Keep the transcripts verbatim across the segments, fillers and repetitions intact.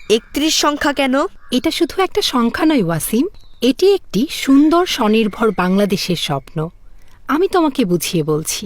একত্রিশ সংখ্যা কেন? এটা শুধু একটা সংখ্যা নয় ওয়াসিম, এটি একটি সুন্দর স্বনির্ভর বাংলাদেশের স্বপ্ন। আমি তোমাকে বুঝিয়ে বলছি।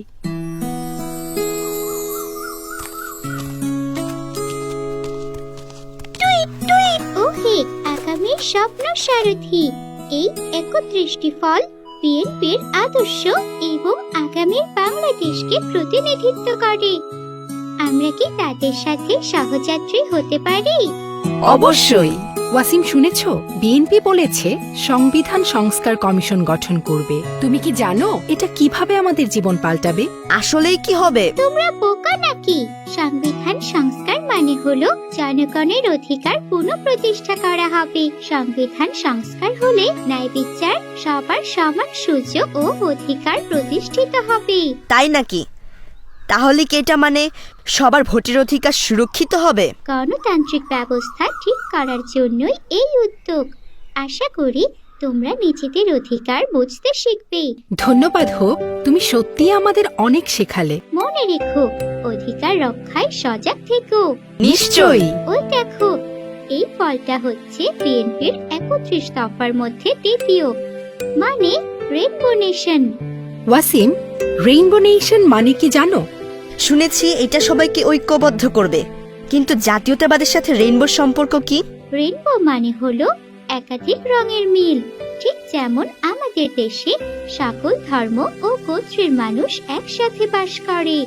ওহে আগামীর স্বপ্ন সারথি, এই একত্রিশটি ফল বিএনপির আদর্শ এবং আগামীর বাংলাদেশকে প্রতিনিধিত্ব করে। আমরা কি তাদের সাথে সহযাত্রী হতে পারি? অবশ্যই। ওয়াসিম, শুনেছ বিএনপি বলেছে সংবিধান সংস্কার কমিশন গঠন করবে। তুমি কি জানো এটা কিভাবে আমাদের জীবন পাল্টাবে? আসলেই কি হবে? তোমরা বোকা নাকি? সংবিধান সংস্কার মানে হলো জনগণের অধিকার পুনঃপ্রতিষ্ঠা করা হবে। সংবিধান সংস্কার হলে ন্যায় বিচার, সবার সমান সুযোগ ও অধিকার প্রতিষ্ঠিত হবে। তাই নাকি? তাহলে কি এটা মানে সবার ভোটের অধিকার সুরক্ষিত হবে? গণতান্ত্রিক ব্যবস্থা ঠিক করার জন্যই এই উদ্যোগ। আশা করি তোমরা নিজেদের অধিকার বুঝতে শিখবে। ধন্যবাদ হোপ, তুমি সত্যিই আমাদের অনেক শেখালে। মনে রেখো, অধিকার রক্ষায় সজাগ থেকো। নিশ্চয়ই। ওই দেখো, এই ফলটা হচ্ছে বিএনপির একত্রিশ দফার মধ্যে দ্বিতীয়, মানে rainbow nation. Wasim, rainbow nation মানে কি জানো? শুনেছি এটা সবাইকে ঐক্যবদ্ধ করবে, কিন্তু জাতীয়তাবাদের সাথে রেইনবোর সম্পর্ক কি? রেইনবো মানে হলো একাধিক রঙের মিল। ঠিক যেমন আমাদের দেশে সকল ধর্ম ও গোত্রের মানুষ একসাথে বাস করে।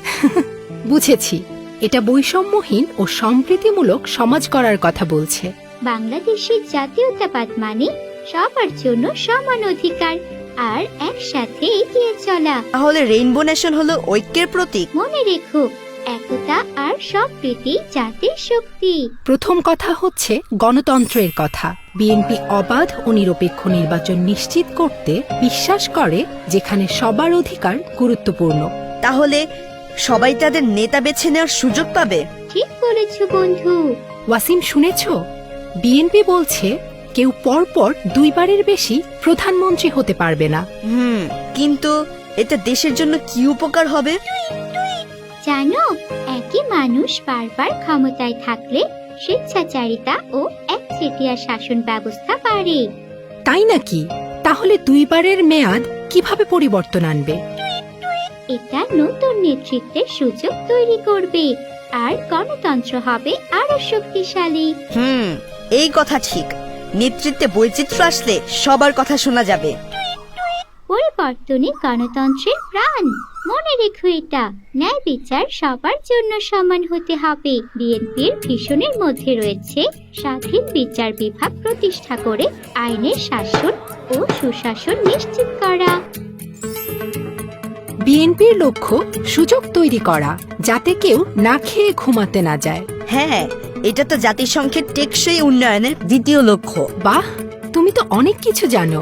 বুঝেছি, এটা বৈষম্যহীন ও সম্প্রীতিমূলক সমাজ করার কথা বলছে। বাংলাদেশের জাতীয়তাবাদ মানে সবার জন্য সমান অধিকার আর একসাথে এগিয়ে চলা। তাহলে রেইনবো নেশন হলো ঐক্যের প্রতীক। মনে রেখো, একতা আর সম্প্রীতি জাতির শক্তি। প্রথম কথা হচ্ছে গণতন্ত্রের কথা। বিএনপি অবাধ ও নিরপেক্ষ নির্বাচন নিশ্চিত করতে বিশ্বাস করে, যেখানে সবার অধিকার গুরুত্বপূর্ণ। তাহলে সবাই তাদের নেতা বেছে নেওয়ার সুযোগ পাবে। ঠিক বলেছ বন্ধু। ওয়াসিম, শুনেছ বিএনপি বলছে কেউ পরপর দুইবারের বেশি প্রধানমন্ত্রী হতে পারবে না। হুম, কিন্তু এটা দেশের জন্য কি উপকার হবে? জানো, একই মানুষ বারবার ক্ষমতায় থাকলে স্বেচ্ছাচারিতা ও একচেটিয়া শাসন ব্যবস্থা বাড়ে। তাই নাকি? তাহলে দুইবারের মেয়াদ কিভাবে পরিবর্তন আনবে? এটা নতুন নেতৃত্বের সুযোগ তৈরি করবে আর গণতন্ত্র হবে আরো শক্তিশালী। হুম, এই কথা ঠিক। নেতৃত্বে বৈচিত্র্য আসলে সবার কথা শোনা যাবে। পরিবর্তনে গণতন্ত্রের প্রাণ। মনে রেখো এটা, ন্যায় বিচার সবার জন্য সমান হতে হবে। বিএনপির ভীষণের মধ্যে রয়েছে স্বাধীন বিচার বিভাগ প্রতিষ্ঠা করে আইনের শাসন ও সুশাসন নিশ্চিত করা। বিএনপির লক্ষ্য সুযোগ তৈরি করা, যাতে কেউ না খেয়ে ঘুমাতে না যায়। হ্যাঁ, এটা তো জাতিসংঘের টেকসই উন্নয়নের দ্বিতীয় লক্ষ্য। বাহ, তুমি তো অনেক কিছু জানো।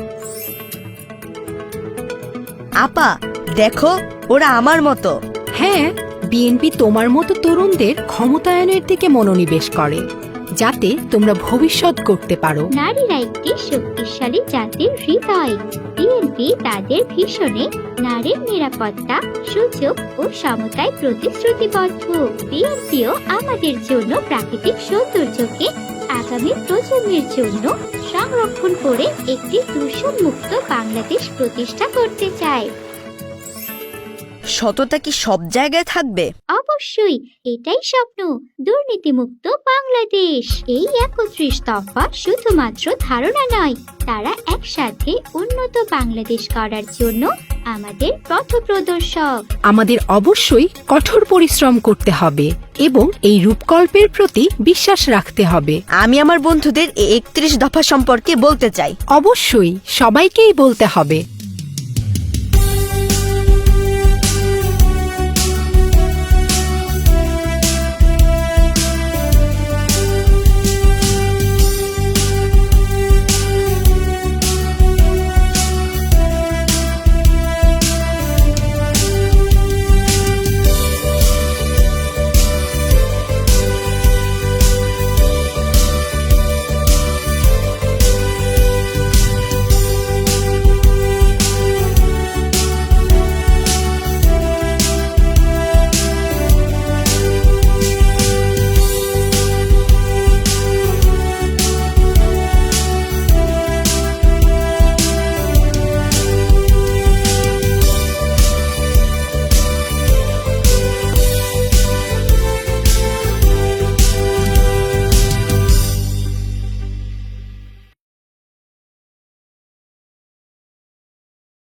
আপা, দেখো, ওরা আমার মতো। হ্যাঁ, বিএনপি তোমার মতো তরুণদের ক্ষমতায়নের দিকে মনোনিবেশ করে, যাতে তোমরা ভবিষ্যৎ গড়তে পারো। নারীরা একটি শক্তিশালী জাতির হৃদয়। বিএনপি তাদের ভীষণে নারীর নিরাপত্তা, সুযোগ ও সমতায় প্রতিশ্রুতিবদ্ধ। বিএনপিও আমাদের জন্য প্রাকৃতিক সৌন্দর্যকে আগামী প্রজন্মের জন্য সংরক্ষণ করে একটি দূষণমুক্ত বাংলাদেশ প্রতিষ্ঠা করতে চায়। সততা কি সব জায়গায় থাকবে? অবশ্যই, এটাই স্বপ্ন, দুর্নীতিমুক্ত বাংলাদেশ। এই একত্রিশ দফা শুধুমাত্র ধারণা নয়, তারা একসাথে উন্নত বাংলাদেশ করার জন্য আমাদের পথপ্রদর্শক। আমাদের অবশ্যই কঠোর পরিশ্রম করতে হবে এবং এই রূপকল্পের প্রতি বিশ্বাস রাখতে হবে। আমি আমার বন্ধুদের এই একত্রিশ দফা সম্পর্কে বলতে চাই। অবশ্যই সবাইকেই বলতে হবে।